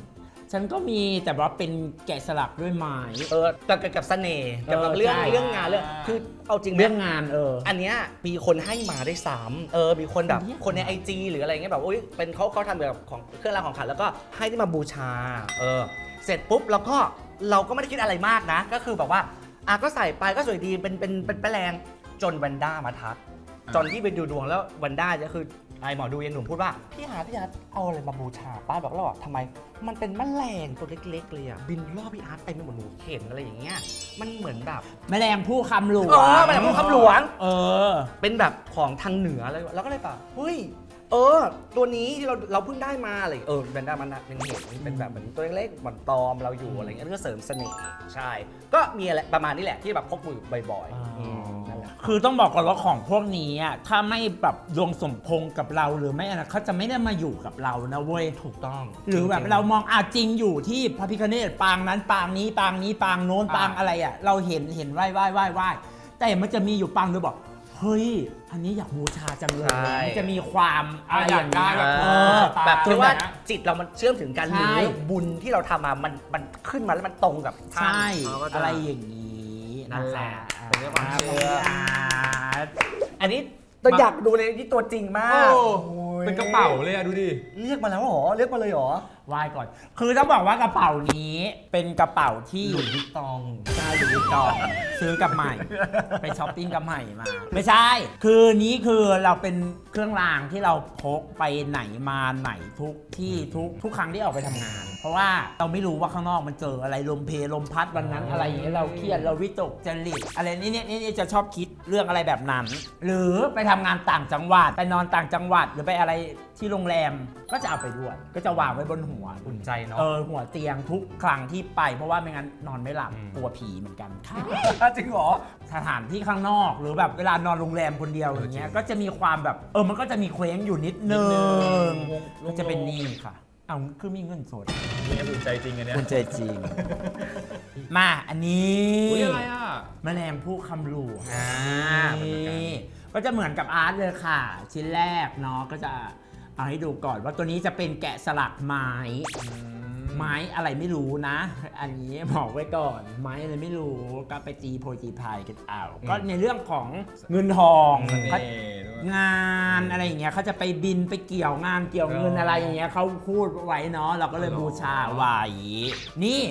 Speaker 2: ฉันก็มีแต่ว่าเป็นแกะสลักด้วยไม้
Speaker 1: เออแต่เกี่ยวกับเสน่ห์เกี่ยวกับ
Speaker 2: เออ
Speaker 1: เรื่อง
Speaker 2: ใช่
Speaker 1: เรื่องงานเรื่องคือเอาจริงไหม
Speaker 2: เรื่องงานเออ
Speaker 1: อันเนี้ยมีคนให้มาได้สามเออมีคนแบบ
Speaker 2: อันเนี้ย
Speaker 1: คนในไอจีหรืออะไรเงี้ยแบบโอ้ยเป็นเขาเขาทำเกี่ยวกับของเครื่องรางของขลังแล้วก็ให้ที่มาบูชาเออเสร็จปุ๊บแล้วก็เราก็ไม่ได้คิดอะไรมากนะ ก็คือแบบว่าอ่ะก็ใส่ไปก็สวยดีเป็นเป็นเป็นแปลงจนวันด้ามาทักจนที่ไปดูดวงแล้ววันด้าก็คือไอหมอดูยังหนุ่มพูดว่าพี่หาพี่อาร์ตเอาอะไรมาบูชาป้าบอกเราบอกทำไมมันเป็นแมลงตัวเล็กๆเลยอ่ะบินรอบพี่อาร์ตเต็มไปหมดหนูเห็นอะไรอย่างเงี้ยมันเหมือนแบบ
Speaker 2: แมลงผู้คำหลวง
Speaker 1: เออแมลงภู่คำหลวง
Speaker 2: เออ
Speaker 1: เป็นแบบของทางเหนือเลยแล้วก็เลยแบบเฮ้ยเออ ตัวนี้ที่เราเราเพิ่งได้มาอะไรเออแบนด้ามันเป็นเห็นเป็นแบบเหมือนตัวเล็กๆเหมือนตอมเราอยู่อะไรเงี้ยเพื่อเสริมเสน่ห์ใช่ ก็มีอะไรประมาณนี้แหละที่แบบพกมือบ่อยๆอืมนั่นแหละ
Speaker 2: คือต้องบอกก่อนว่าของพวกนี้อ่ะถ้าไม่แบบดวงสมพงษ์กับเราหรือไม่อะไรเขาจะไม่ได้มาอยู่กับเรานะเว้ย
Speaker 1: ถูกต้อง
Speaker 2: หรือแบบเรามองอาจริงอยู่ที่พระพิฆเนศปางนั้นปางนี้ปางนี้ปางโน้นปางอะไรอ่ะเราเห็นเห็นไหว้ไหว้ไหว้ไหว้แต่มันจะมีอยู่ปางโดยบอกเฮ้ยอันนี้อยากบูชาจังเลยมันจะมีความอะไรอย่างเงี้ย
Speaker 3: แบบ
Speaker 2: เออ
Speaker 1: แบบ
Speaker 2: จ
Speaker 1: ที่
Speaker 2: น
Speaker 1: ว่า
Speaker 2: แบบ
Speaker 1: จิตเรามันเชื่อมถึงกันห
Speaker 2: ใช่
Speaker 1: รือบุญที่เราทำมามันมันขึ้นมาแล้วมันตรงกับท่าน
Speaker 2: ใช่
Speaker 1: เขาก็จ
Speaker 2: อะไรอย่างนี้
Speaker 1: นั่นแหละ
Speaker 2: อ่
Speaker 1: เป็นเรื่องความเชื่อ
Speaker 2: า
Speaker 1: อันนี้เราอยากดูเลยที่ตัวจริงมา
Speaker 3: โอ้
Speaker 1: ก
Speaker 3: เป็นกระเป๋าเลยอะดูดิ
Speaker 1: เรียกมาแล้วเหรอเรียกมาเลยเหรอ
Speaker 2: ไหว้ก่อน คือต้องบอกว่ากระเป๋านี้เป็นกระเป๋าที่
Speaker 1: หลุยส์วิตตอง
Speaker 2: ใช่หลุยส์วิตตองซื้อกับใหม่ ไปช้อปปิ้งกับใหม่มา ไม่ใช่ คือนี้คือเราเป็นเครื่องรางที่เราพกไปไหนมาไหนทุกที่ทุกทุกครั้งที่ออกไปทำงาน เพราะว่าเราไม่รู้ว่าข้างนอกมันเจออะไรลมเพลลมพัดวันนั้นอะไรอย่างเงี้ยเราเครียดเราวิตกจริตอะไรนี่เนี่ยนี่จะชอบคิดเรื่องอะไรแบบนั้น หรือไปทำงานต่างจังหวัดไปนอนต่างจังหวัดหรือไปอะไรที่โรงแรมก็จะเอาไปด้วย ก็จะวางไว้บนหัว
Speaker 1: อุ่นใจเนาะ
Speaker 2: เออหัวเตียงทุกครั้งที่ไปเพราะว่าไม่งั้นนอนไม่หลับกลัวผีเหมือนกันค่ะ
Speaker 1: จริงเหรอ
Speaker 2: สถานที่ข้างนอกหรือแบบเวลานอนโรงแรมคนเดียวอย่างเงี้ยก็จะมีความแบบเออมันก็จะมีเคว้งอยู่นิดนึงก็จะเป็นนี่ค่ะเอาคือมีเงินสด
Speaker 3: นี่อุ่นใจจริงอันเนี้ย
Speaker 2: คุณใจจริง มาอันนี้
Speaker 3: อุ้ยอะไรอ่ะ
Speaker 2: แมลงผู้คำหลวง
Speaker 1: อ่า
Speaker 2: นี่ก็จะเหมือนกับอาร์ตเลยค่ะ ชิ้นแรกเนาะก็จะเอาให้ดูก่อนว่าตัวนี้จะเป็นแกะสลักไม้ ไม้อะไรไม่รู้นะ อันนี้บอกไว้ก่อน ไม้อะไรไม่รู้ก็ไปจีโพยจีพายกันเอาก็ในเรื่องของเงินทอง
Speaker 3: เสน่
Speaker 2: เขา
Speaker 3: ห์ด้วย
Speaker 2: งานอะไรอย่างเงี้ยเขาจะไปบินไปเกี่ยวงานเกี่ยวเงินอะไรอย่างเงี้ยเขาพูดไว้เนาะเราก็เลยบูชาไว้นี่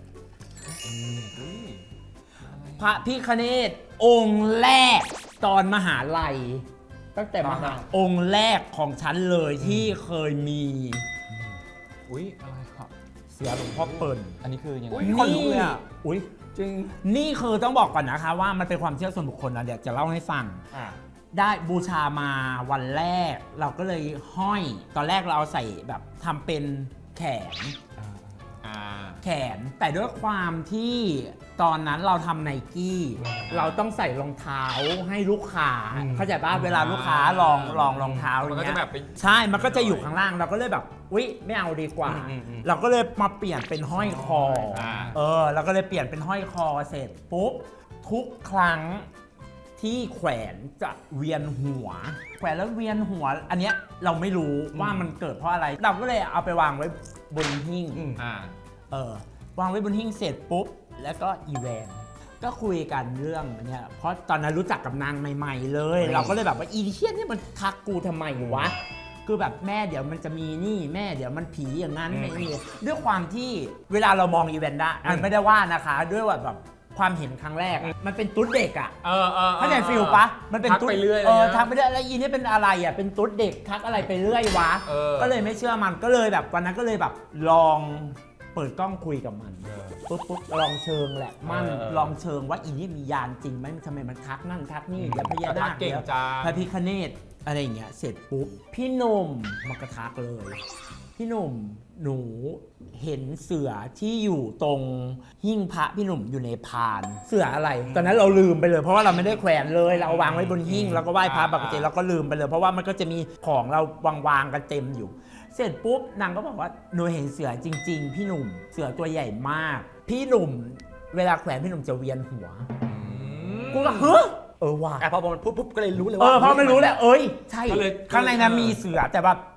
Speaker 2: พระพิฆเนศองค์แรกตอนมหาลัย ตั้งแต่มหาองค์แรกของฉันเลยที่เคยมี
Speaker 3: อุ้ยอะไรครับ
Speaker 2: เสือหลวงพ่อเปิ่น
Speaker 3: อันนี้คือยังไง
Speaker 1: อุ๊ย คนลุกเลยอะ
Speaker 2: อุ้ย
Speaker 1: จริง
Speaker 2: นี่คือต้องบอกก่อนนะคะว่ามันเป็นความเชื่อส่วนบุคคลนะเดี๋ยวจะเล่าให้ฟัง
Speaker 1: อ่า
Speaker 2: ได้บูชามาวันแรก เราก็เลยห้อย ตอนแรกเราเอาใส่แบบทำเป็นแขน
Speaker 3: อ่า
Speaker 2: แขน แต่ด้วยความที่ตอนนั้นเราทำไนกี้ เราต้องใส่รองเท้าให้ลูกค้า
Speaker 1: อืม
Speaker 2: เข้าใจป่ะเวลาลูกค้าลองลองรองเท้าอ
Speaker 3: มัน
Speaker 2: ย่าง
Speaker 3: ก็
Speaker 2: เงี้
Speaker 3: จะ
Speaker 2: ย
Speaker 3: แบบไป
Speaker 2: ใช่ มันก็จะอยู่ข้างล่าง เราก็เลยแบบ อุ๊ย ไม่เอาดีกว่า
Speaker 1: อืมอืมอืม
Speaker 2: เราก็เลยมาเปลี่ยนเป็นห้อยคอ
Speaker 3: อ่า
Speaker 2: เออ เราก็เลยเปลี่ยนเป็นห้อยคอเสร็จปุ๊บ ทุกครั้งที่แขวนจะเวียนหัว แขวนแล้วเวียนหัว อันเนี้ยเราไม่รู้ว่ามันเกิดเพราะอะไร เราก็เลยเอาไปวางไว้บนหิ้ง
Speaker 1: อืม
Speaker 3: อ่า
Speaker 2: เออ วางไว้บนหิ้งเสร็จปุ๊บ แล้วก็อีแวน ก็คุยกันเรื่องเนี่ย เพราะตอนนั้นรู้จักกับนางใหม่ๆเลย
Speaker 1: อืม
Speaker 2: เราก็เลยแบบว่าอีเทียนนี่มันทักกูทำไมวะ คือแบบแม่เดี๋ยวมันจะมีนี่แม่เดี๋ยวมันผีอย่างนั้นไม่นี่ด้วยความที่เวลาเรามองอีเวนต์ได้อันไม่ได้ว่านะคะ ด้วยว่าแบบความเห็นครั้งแรกอะมันเป็นตุ๊ดเด็กอ่ะ
Speaker 3: เออเออ
Speaker 2: เข้าใจฟิลปะมันเป็น
Speaker 3: ทัก
Speaker 2: ตุ๊ด
Speaker 3: ไปเรื่อย
Speaker 2: เออ
Speaker 3: เลยนะ
Speaker 2: ทักไปเรื่อยแล้วอีนี่เป็นอะไรอ่ะเป็นตุ๊ดเด็กทักอะไรไปเรื่อยวะ
Speaker 3: เออ
Speaker 2: ก็เลยไม่เชื่อมันก็เลยแบบวันนั้นก็เลยแบบลองเปิดกล้องคุยกับมัน
Speaker 3: เออ
Speaker 2: ปุ๊บปุ๊บลองเชิงแหละมัน
Speaker 3: เออ
Speaker 2: ลองเชิงว่าอีนี่มียานจริงไหมทำไมมันทักนั่นทักนี่เดี๋ยวพญา
Speaker 3: ทั
Speaker 2: นาก ค
Speaker 3: เก่ง
Speaker 2: เดี๋ยว
Speaker 3: จัง
Speaker 2: พระพิฆเนศอะไรอย่างเงี้ยเสร็จปุ๊บพี่หนุ่มมากระทักเลย พี่หนุ่มหนูเห็นเสือที่อยู่ตรงหิ้งพระพี่หนุ่มอยู่ในพาน เสืออะไร ตอนนั้นเราลืมไปเลย เพราะว่าเราไม่ได้แขวนเลยเราเอาวางไว้บนหิ้งแล้วก็ไหว้พระปกติเราก็ลืมไปเลย เพราะว่ามันก็จะมีของเราวางๆกันเต็มอยู่ เสร็จปุ๊บนางก็บอกว่าหนูเห็นเสือจริง ๆ พี่หนุ่มเสือตัวใหญ่มาก พี่หนุ่มเวลาแขวนพี่หนุ่มจะเวียนหัวกูก็เฮ้อเออว่ะ
Speaker 1: อ่ะพอมันพูดปุ๊บก็เลยรู้เลย
Speaker 2: เอ
Speaker 1: ว่า
Speaker 2: อเพราะไม่รู้แหละเอ้ยใช่
Speaker 3: ก็เลย
Speaker 2: ข้างในนั้นมีเสือแต่แบบ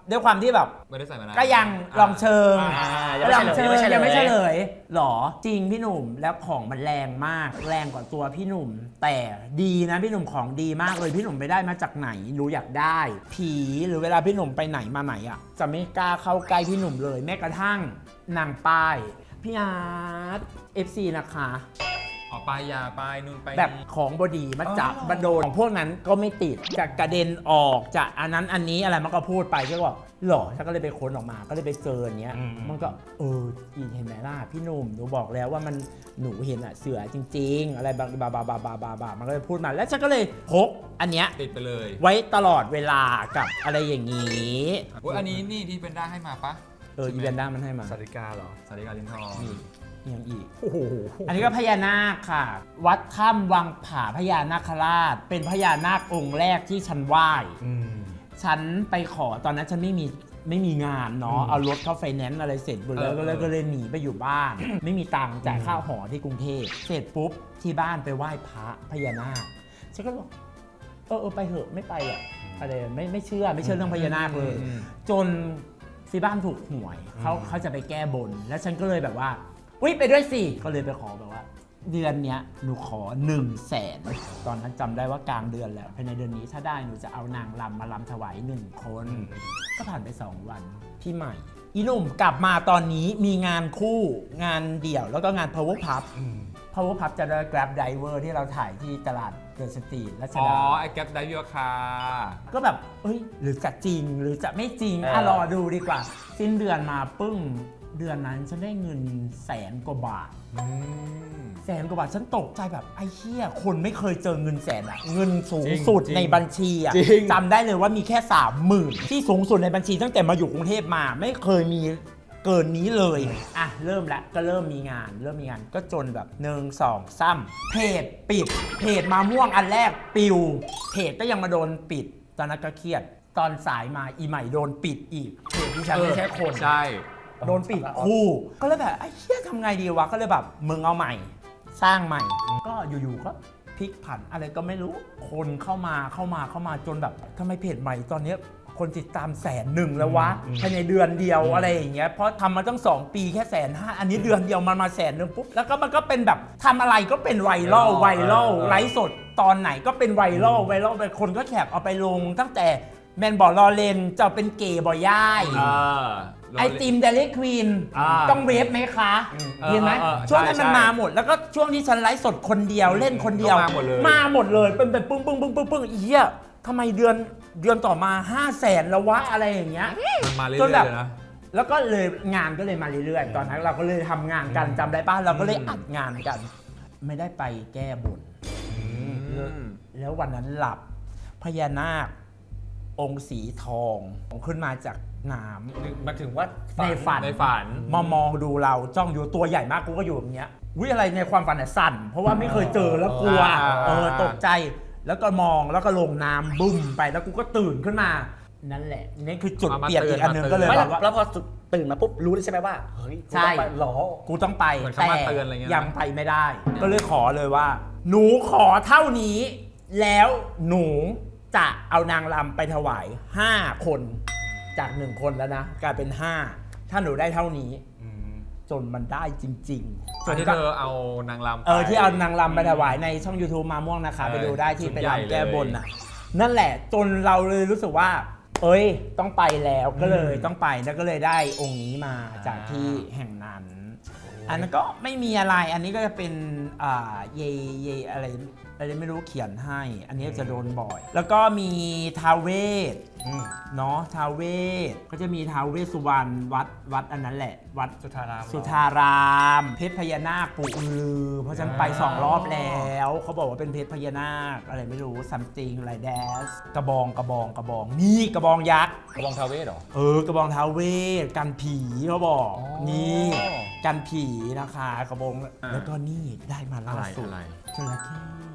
Speaker 2: ด้วยความที่แบบ
Speaker 3: ไม่ได้ใส่มานาน
Speaker 2: ก็ยังลองเชิง
Speaker 1: อ่า
Speaker 2: ก็ลองเชิง
Speaker 1: ยั
Speaker 2: ยัง ง
Speaker 1: ไม่
Speaker 2: ไม่
Speaker 1: เฉ
Speaker 2: เฉ
Speaker 1: ล
Speaker 2: ล
Speaker 1: ย
Speaker 2: ยหรอจริงพี่หนุ่มแล้วของมันแรงมากแรงกว่าตัวพี่หนุ่ม แต่ดีนะพี่หนุ่มของดีมากเลยพี่หนุ่มไปได้มาจากไหนรู้อยากได้ ผีหรือเวลาพี่หนุ่มไปไหนมาไหนอ่ะจะไม่กล้าเข้าใกล้พี่หนุ่มเลยแม้กระทั่งนางป้ายพี่อาร์ต เอฟ ซี นะคะ
Speaker 3: อ๋อปลายยาปลายนู่นไป
Speaker 2: แบบของบดีมาจับมาโดนของพวกนั้นก็ไม่ติดจะกระเด็นออกจะอันนั้นอันนี้อะไรมันก็พูดไปก็บอกหรอฉันก็เลยไปค้นออกมาก็เลยไปเจออย่างเงี้ย
Speaker 1: อืม
Speaker 2: มันก็เอออีเห็นไหมล่ะพี่หนุ่มหนูบอกแล้วว่ามันหนูเห็นอะเสือจริง ๆ อะไรบาบาบาบาบาบาบามันก็เลยพูดมาแล้วฉันก็เลยพกอันเนี้ย
Speaker 3: ติดไปเลย
Speaker 2: ไว้ตลอดเวลากับอะไรอย่างนี้
Speaker 3: อุ๊ยอันนี้นี่ที่เป็นด้าให้มาปะ
Speaker 2: เอออีเวนด้ามันให้มา
Speaker 1: สาริกาเหรอ
Speaker 3: สาริกาลิ้นทอง
Speaker 2: นี่ยังอีก
Speaker 1: โอ้โห
Speaker 2: อันนี้ก็พญานาคค่ะ วัดถ้ำวังผาพญานาคราช เป็นพญานาคองค์แรกที่ฉันไหว้
Speaker 1: อืม
Speaker 2: ฉันไปขอตอนนั้นฉันไม่มีไม่มีงานเนาะ
Speaker 1: อืม
Speaker 2: เอารถเข้าไฟแนนซ์อะไรเสร็จหมดแล้วก็เลยก็เลยหนีไปอยู่บ้าน ไม่มีตังค์จ่ายค่าหอที่กรุงเทพเสร็จปุ๊บที่บ้านไปไหว้พระพญานาคฉันก็บอกเออเออไปเถอะไม่ไปหรอกอะไรไม่ไม่เชื่อไม่เชื่อเรื่องพญานาคเลย จนที่บ้านถูกหวยเขาเขาจะไปแก้บน แล้วฉันก็เลยแบบว่าอุ้ยไปด้วยสิก็เลยไปขอแบบว่า เดือนเนี้ยหนูขอ1นึ่งแสนตอนนั้นจำได้ว่ากลางเดือนแล้วภายในเดือนนี้ถ้าได้หนูจะเอานางรำมารำถวายหนึ่งคน ก็ผ่านไปสองวันพี่ใหม่ อีหนุ่มกลับมาตอนนี้มีงานคู่งานเดี่ยวแล้วก็งาน power pub power pub จะได้ grab driver ที่เราถ่ายที่ตลาดเดอะสตรีทรัช
Speaker 3: อ๋อ
Speaker 2: ดา
Speaker 3: ไอ้แก๊ปไดวิวคา
Speaker 2: ก็แบบเอ้ย หรือจะจริง หรือจะไม่จริง
Speaker 1: เออ
Speaker 2: อ่ะรอดูดีกว่า สิ้นเดือนมาปึ้ง เดือนนั้นฉันได้เงินแสนกว่าบาท แสนกว่าบาท ฉันตกใจแบบไอ้เหี้ย คนไม่เคยเจอเงินแสนอะเงินสูงสุด
Speaker 3: จริง
Speaker 2: ในบัญชีอะ
Speaker 3: จริง
Speaker 2: จำได้เลยว่ามีแค่สามหมื่นที่สูงสุดในบัญชีตั้งแต่มาอยู่กรุงเทพมา ไม่เคยมีเกินนี้เลย อ่ะ เริ่มแล้วก็เริ่มมีงาน เริ่มมีงานก็จนแบบหนึ่งสองซ้ำเพจปิด เพจมาม่วงอันแรกปิว เพจก็ยังมาโดนปิด ตอนนั้นก็เครียด ตอนสายมาอีใหม่โดนปิดอีก เพจที่ฉันไม่ใช่คน
Speaker 3: ใช่
Speaker 2: โดนปิดคู่ก็เลยแบบไอ้เหี้ยทำไงดีวะ ก็เลยแบบมึงเอาใหม่ สร้างใหม่ ก็อยู่ๆก็พลิกผันอะไรก็ไม่รู้ คนเข้ามาเข้ามาเข้ามาจนแบบทำไมเพจใหม่ตอนเนี้ยคนติดตามแสนหนึ่งแล้ววะภายในเดือนเดียวอะไรอย่างเงี้ยเพราะทำมาตั้งสองปีแค่แสนห้าอันนี้เดือนเดียวมันมาแสนหนึ่งปุ๊บแล้วก็มันก็เป็นแบบทำอะไรก็เป็นไวรัลไวรัลไลฟ์สดตอนไหนก็เป็นไวรัลไวรัลไปคนก็แคปเอาไปลงตั้งแต่แมนบอกรอเลนจะเป็นเกย์บอยย่าย
Speaker 3: เออ
Speaker 2: ไอติมเดลิควีน
Speaker 3: อ่า
Speaker 2: ต้องเวฟไหมคะเห็นไหม
Speaker 3: เออเออ
Speaker 2: ช่วงนั้น
Speaker 3: ใช่
Speaker 2: มัน
Speaker 3: ใช่
Speaker 2: มาหมด แล้วก็ช่วงที่ฉันไลฟ์สดคนเดียวเล่นคนเดียว
Speaker 3: ก็มาหมดเลย
Speaker 2: มาหมดเลยเป็นแบบปึ้งปึ้งปึ้งปึ้งปึ้งอีเหี้ยทำไมเดือนเดือนต่อมา5 0 0แสนแล้ววะอะไรอย่างเงี้ย
Speaker 3: มันมาเรื่อ
Speaker 2: จน
Speaker 3: ยๆ
Speaker 2: แบบ
Speaker 3: เลยนะ
Speaker 2: แล้วก็เลยงานก็เลยมาเรื่อยๆ ตอนนั้นเราก็เลยทำงานกันจำได้ป่ะเราก็เลยอัดงานกัน ไม่ได้ไปแก้บน แล้ววันนั้นหลับพญานาค องค์สีทองขึ้นมาจากน้ำ
Speaker 1: มาถึงว่า
Speaker 2: ในฝัน
Speaker 3: ในฝัน
Speaker 2: มามองดูเราจ้องอยู่ตัวใหญ่มากกูก็อยู่แบบเนี้ยวิอะไรในความฝันเนี่ยสั่น เพราะว่าไม่เคยเจอแล้วกลัว
Speaker 3: อ่า
Speaker 2: เออตกใจแล้วก็มองแล้วก็ลงน้ำบุ้มไปแล้วกูก็ตื่นขึ้นมา นั่นแหละนี่คือจุด
Speaker 3: มา
Speaker 2: เปลี่ยน
Speaker 3: เตื
Speaker 2: อี
Speaker 3: อน
Speaker 2: กอันหนึง
Speaker 3: มาเตือน
Speaker 2: ก็เลย
Speaker 1: ไม่
Speaker 2: แบบว่า
Speaker 1: แล้วพอตื่นมาปุ๊บรู้เลยใช่ไหมว่าเฮ้ยกู
Speaker 2: ใช่
Speaker 1: ต้องไปหรอ
Speaker 2: กูต้องไป
Speaker 3: เหมือนเขา
Speaker 2: แต่
Speaker 3: มาเตือนอะไรเงี้ยนะ
Speaker 2: ยังไปไม่ได้ ก็เลยขอเลยว่า หนูขอเท่านี้ แล้วหนูจะเอานางรำไปถวายห้าคนจากหนึ่งคนแล้วนะกลายเป็นห้าถ้าหนูได้เท่านี้ จนมันได้จริงๆ
Speaker 3: ส่วนที่
Speaker 2: ก็
Speaker 3: เธอเอานางรำไป
Speaker 2: เออที่เอานางรำไปถวายในช่อง YouTube มาม่วงนะคะ
Speaker 3: เออ
Speaker 2: ไปดูได้ที่
Speaker 3: ชุด
Speaker 2: ไป
Speaker 3: ใหญ่
Speaker 2: รำแก้บน
Speaker 3: เลย
Speaker 2: น่ะ นั่นแหละจนเราเลยรู้สึกว่า เอ้ยต้องไปแล้วก็เลยต้องไปแล้วก็เลยได้องค์นี้มาจากที่แห่งนั้น อันนั้นก็ไม่มีอะไรอันนี้ก็จะเป็นอ่าเยเยอะไรอะไรไม่รู้เขียนให้ อันนี้จะโดนบ่อย แล้วก็มีท้าวเวส เนาะท้าวเวสก็จะมีท้าวเวสสุวรรณวัดวัดอันนั้นแหละ วัด
Speaker 1: สุธาราม
Speaker 2: สุธาราม เพชรพญานาคปู่อือลือเพราะฉันไปสองรอบแล้วเขาบอกว่าเป็นเพชรพญานาคอะไรไม่รู้ซัมติงอะไรแดสกระบองกระบองกระบองนี่กระบองยักษ์
Speaker 3: กระบองทาเวสเหรอ
Speaker 2: เออกระบองท้าวเวสกันผีเขาบอก
Speaker 3: อ๋อ
Speaker 2: นี่กันผีนะคะกระบอง
Speaker 3: อ่า
Speaker 2: แล้วก็นี่ได้มาล่าสุด
Speaker 3: อะไร
Speaker 2: จระเข้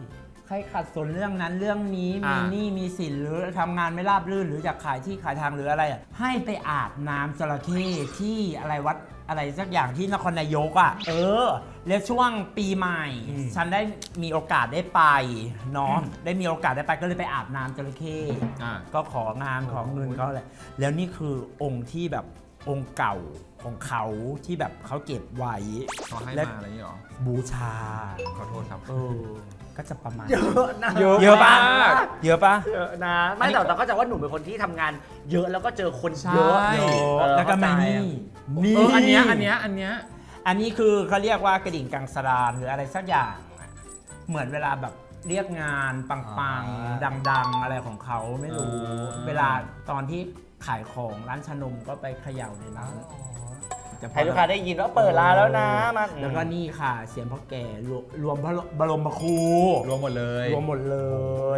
Speaker 2: ใครขัดสนเรื่องนั้นเรื่องนี้มี
Speaker 1: อ่า
Speaker 2: หนี้มีสินหรือทำงานไม่ราบรื่นหรืออยากขายที่ขายทางหรืออะไรอ่ะให้ไปอาบน้ำจระเข้ที่อะไรวัดอะไรสักอย่างที่นครนายกอ่ะเออแล้วช่วงปีใหม่ ฉันได้มีโอกาสได้ไปเนาะได้มีโอกาสได้ไปก็เลยไปอาบน้ำจระเข้
Speaker 3: อ่า
Speaker 2: ก็ของานของเงินเขาอะไรแล้วนี่คือองค์ที่แบบองค์เก่าของเขาที่แบบเขาเก็บไว้
Speaker 3: เขาให้
Speaker 2: และ
Speaker 3: มาอะไรอย่างเงี้ยหรอ
Speaker 2: บูชา
Speaker 3: ขอโทษครับ
Speaker 2: เออก็จะประมาณ
Speaker 1: เยอะนะ
Speaker 2: เยอะปะเยอะปะ
Speaker 1: เยอะนะไม่แต่เราก็จะว่าหนูเป็นคนที่ทำงานเยอะแล้วก็เจอคนเยอะ
Speaker 3: ใช่
Speaker 2: เย
Speaker 1: เอ
Speaker 2: อะ
Speaker 1: อ
Speaker 2: แล้วก็ไม่
Speaker 1: เข้าใจ
Speaker 2: นี่
Speaker 3: เอออันเนี้ยอันเนี้ยอันเนี้ย
Speaker 2: อันนี้คือเขาเรียกว่ากระดิ่งกังสดานหรืออะไรสักอย่างอะเหมือนเวลาแบบเรียกงานปัง
Speaker 3: อ่า
Speaker 2: ๆ ดังๆ อะไรของเขาไม่รู้
Speaker 3: อ่า
Speaker 2: เวลาตอนที่ขายของร้านชานมก็ไปเขย่าในนั้นจะพอ
Speaker 1: ให้ลูกค้าได้ยินว่าเปิดร้านแล้วนะมา
Speaker 2: แล้วก็นี่ค่ะ เสียงพ่อแก่รวมรวมพระบรมครู
Speaker 3: รวมหมดเลย
Speaker 2: รวมหมดเลย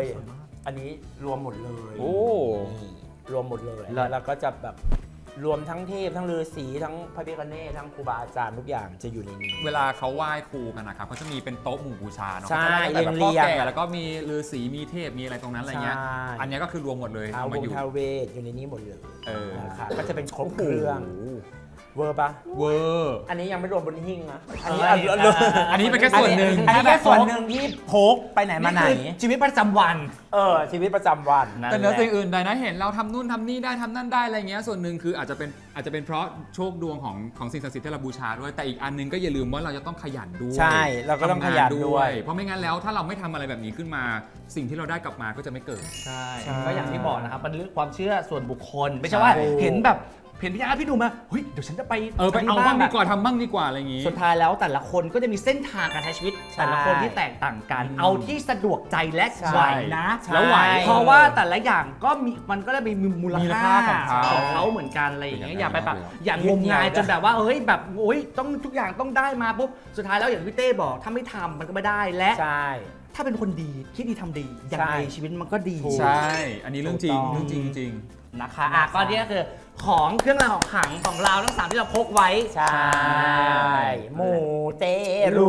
Speaker 2: อันนี้รวมหมดเลย
Speaker 3: โอ้
Speaker 2: นี่รวมหมดเลย
Speaker 1: เลิศ
Speaker 2: แล้วก็จะแบบรวมทั้งเทพทั้งฤาษีทั้งพระพิฆเนศทั้งครูบาอาจารย์ทุกอย่างจะอยู่ในนี้
Speaker 3: เวลาเขาไหว้ครูกันนะครับเขาจะมีเป็นโต๊ะหมู่บูชาเนาะ
Speaker 2: ใช่
Speaker 3: ก็จะได้แบบ
Speaker 2: เรี
Speaker 3: พ่อย
Speaker 2: งๆ
Speaker 3: แก่แล้วก็มีฤาษีมีเทพมีอะไรตรงนั้นอะไรเงี้ย
Speaker 2: ใช่
Speaker 3: อันเนี้ยก็คือรวมหมดเลย
Speaker 2: ท้าว
Speaker 3: เอา
Speaker 2: ว
Speaker 3: มาง อยู่
Speaker 2: ท้าวเวทอยู่ในนี้หมดเลย
Speaker 3: เออ
Speaker 2: นะคะก็จะเป็นครบเครื่องเวอร์ปะ
Speaker 3: เวอร์
Speaker 2: อันนี้ยังไม่รวมบนหิ้งนะอันนี้
Speaker 1: เออ
Speaker 2: อันนี้
Speaker 3: อันนี้เป็นแค่ส่วนหนึ่ง
Speaker 2: อันนี้แค่ส่วนหนึ่งที่พกไปไหนมาไหน
Speaker 1: นี่คือชีวิตประจำวัน
Speaker 2: เออชีวิตประจำวัน
Speaker 3: แต่เนื้อสิ่งอื่นใดนะเห็นเราทำนู่นทำนี่ได้ทำนั่นได้อะไรเงี้ยส่วนหนึ่งคืออาจจะเป็นอาจจะเป็นเพราะโชคดวงของของสิ่งศักดิ์สิทธิ์ที่เราบูชาด้วยแต่อีกอันหนึงก็อย่าลืมว่าเราจะต้องขยันด้วย
Speaker 2: ใช่เราก็ต้องขยันด้วย
Speaker 3: เพราะไม่งั้นแล้วถ้าเราไม่ทำอะไรแบบนี้ขึ้นมา สิ่งที่เราได้กลับมาก็จะไม่เกิด
Speaker 1: ใช่
Speaker 2: ใช่
Speaker 1: ก็อย่างที่บอกนะครับมันเรื่องความเชื่อส่วนบุคคล ไม่ใช่ว่า
Speaker 2: ใช่
Speaker 1: เห็นแบบเห็นพี่อาร์ตพี่หนุ่มมาเฮ้ยเดี๋ยวฉันจะไป
Speaker 3: เออไปเอา
Speaker 1: ที่
Speaker 3: บ้าง
Speaker 1: แ
Speaker 3: ดีกว่าทำบ้างดีกว่าอะไรอย่างงี้
Speaker 1: สุดท้ายแล้วแต่ละคนก็จะมีเส้นทางการใช้ชีวิต แต่ละคนที่แตกต่างกัน เอาที่สะดวกใจและ
Speaker 2: ใช่
Speaker 1: ไหวนะ
Speaker 2: แล้วไหว
Speaker 1: เพราะว่าแต่ละอย่างก็มีมันก็ได้มีมูล
Speaker 3: มี
Speaker 1: ค่า
Speaker 3: ราคาของเขา
Speaker 1: ของเขาเหมือนกันอะไรอย่างเงี้ย
Speaker 3: เป็น
Speaker 1: อย่าไปแบบ
Speaker 3: อย่างนั้น
Speaker 1: อย่างงมงายจนแบบว่าเฮ้ยแบบโอ้ยต้องทุกอย่างต้องได้มาปุ๊บสุดท้ายแล้วอย่างพี่เต้บอกถ้าไม่ทำมันก็ไม่ได้และ
Speaker 2: ใช่
Speaker 1: ถ้าเป็นคนดีคิดดีทำดีอย่างไร
Speaker 2: ใช่
Speaker 1: ชีวิตมันก็ดี
Speaker 3: ใช่ อันนี้เรื่องจริง
Speaker 2: ถูกต้อง
Speaker 3: เรื่องจริงจริง
Speaker 1: นะคะอ่ะก็เนี่ยคือของเครื่องรางของขลังของเราทั้งสามที่เราพกไว้
Speaker 2: ใช่หมูเตรู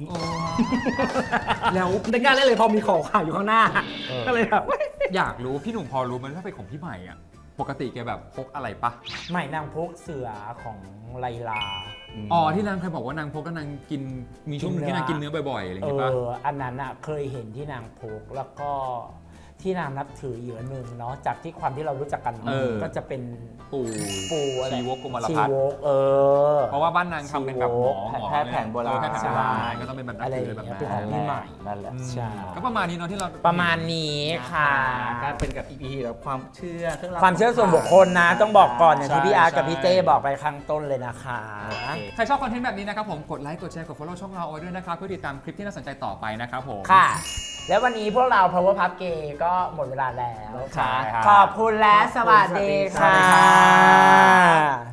Speaker 1: แล้วไม่กล้าเล่นเลยพอมีของขลังอยู่ข้างหน้า
Speaker 2: เออ
Speaker 1: ก็เลยแบบ
Speaker 3: อยากรู้พี่หนุ่มพอรู้มันถ้าเป็นของพี่ใหม่อ่ะปกติแกแบบพกอะไรปะ
Speaker 2: ใหม่นางพกเสือของไลลา
Speaker 3: อ๋อที่นางเคยบอกว่านางพกก็นางกินมีช่วงหนึงที่นางกินเนื้อบ่อยๆอะไรอย่าง
Speaker 2: เอ
Speaker 3: งี้ปะ
Speaker 2: ออันนั้นอะเคยเห็นที่นางพกแล้วก็ที่นางนับถืออีกอันหนึ่งเนาะจากที่ความที่เรารู้จักกัน
Speaker 3: เออ
Speaker 2: ก็จะเป็น
Speaker 3: ปู่
Speaker 2: ปูอะไร
Speaker 3: ชีวกกุมาร
Speaker 2: ชี
Speaker 3: พัฒน์
Speaker 2: วกเออ
Speaker 3: เพราะว่าบ้านนางทำเป็นแบบหมอหมอ
Speaker 2: แพทย์แผนโบราณ
Speaker 3: เออแพทย์แผนโบราณก็ต้องเป็นแบบนับ
Speaker 2: อะไรอ
Speaker 3: ถื
Speaker 2: ย่า
Speaker 3: อง แบบ
Speaker 2: เงี้ย
Speaker 3: นั้
Speaker 2: เป็นของ
Speaker 3: น
Speaker 2: พี่ใหม่
Speaker 4: นั่นแหละ
Speaker 2: ใช่
Speaker 3: ก็ประมาณนี้เนาะที่เรา
Speaker 2: ประมาณนี้ค่ะ
Speaker 1: ก็เป็นกับ อี พี แบบความเชื่อเครื่องราง
Speaker 2: ความเชื่อส่วนบุคคลนะ ต้องบอกก่อนอย่างที่พี่อาร์ตกับ
Speaker 3: ใช่
Speaker 2: พี่เต้บอกไปข้างต้นเลยนะคะ
Speaker 3: ใครชอบคอนเทนต์แบบนี้นะครับผมกดไลค์กดแชร์กด follow ช่องเราเอาไว้ด้วยนะครับเพื่อติดตามคลิปที่น่าสนใจต่อไปนะครับผม
Speaker 2: ค่ะ แล้ววันนี้พวกเรา Power Puff Gay ก็หมดเวลาแล้ว
Speaker 3: ใช่ครับ
Speaker 2: ขอบคุณและสวัสดี
Speaker 1: สวัสดี
Speaker 2: ค่ะ
Speaker 1: ค่ะ